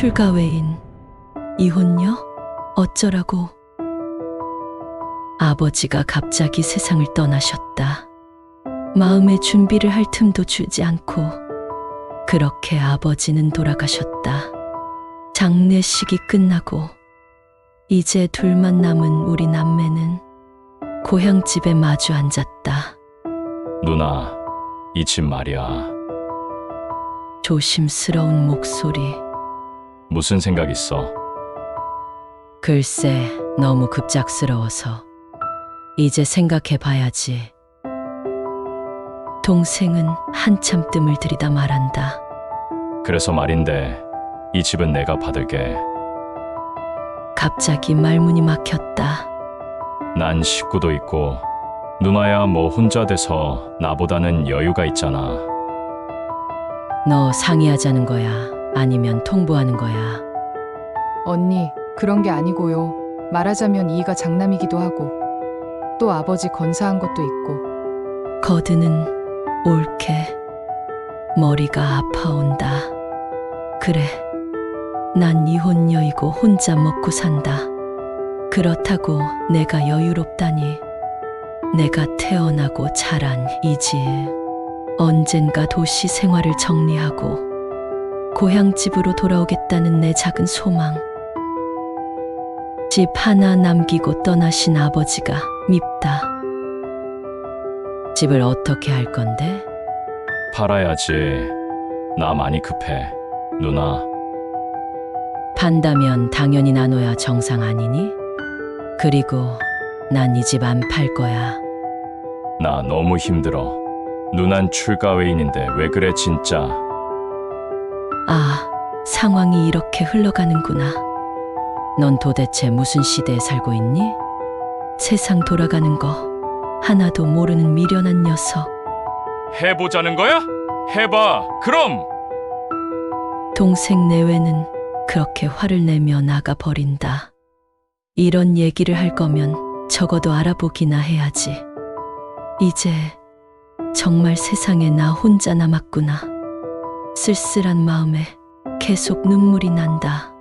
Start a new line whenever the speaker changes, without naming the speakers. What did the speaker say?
출가 외인, 이혼녀? 어쩌라고. 아버지가 갑자기 세상을 떠나셨다. 마음의 준비를 할 틈도 주지 않고 그렇게 아버지는 돌아가셨다. 장례식이 끝나고 이제 둘만 남은 우리 남매는 고향집에 마주 앉았다.
누나, 이 집 말이야.
조심스러운 목소리.
무슨 생각 있어?
글쎄, 너무 급작스러워서 이제 생각해 봐야지. 동생은 한참 뜸을 들이다 말한다.
그래서 말인데 이 집은 내가 받을게.
갑자기 말문이 막혔다.
난 식구도 있고 누나야 뭐 혼자 돼서 나보다는 여유가 있잖아.
너 상의하자는 거야? 아니면 통보하는 거야?
언니, 그런 게 아니고요. 말하자면 이이가 장남이기도 하고 또 아버지 건사한 것도 있고.
거드는 옳게 머리가 아파온다. 그래, 난 이혼녀이고 혼자 먹고 산다. 그렇다고 내가 여유롭다니. 내가 태어나고 자란 이 집, 언젠가 도시 생활을 정리하고 고향집으로 돌아오겠다는 내 작은 소망. 집 하나 남기고 떠나신 아버지가 밉다. 집을 어떻게 할 건데?
팔아야지. 나 많이 급해. 누나,
판다면 당연히 나눠야 정상 아니니? 그리고 난 이 집 안 팔 거야.
나 너무 힘들어. 누난 출가 외인인데 왜 그래 진짜.
아, 상황이 이렇게 흘러가는구나. 넌 도대체 무슨 시대에 살고 있니? 세상 돌아가는 거 하나도 모르는 미련한 녀석.
해보자는 거야? 해봐. 그럼.
동생 내외는 그렇게 화를 내며 나가버린다. 이런 얘기를 할 거면 적어도 알아보기나 해야지. 이제 정말 세상에 나 혼자 남았구나. 쓸쓸한 마음에 계속 눈물이 난다.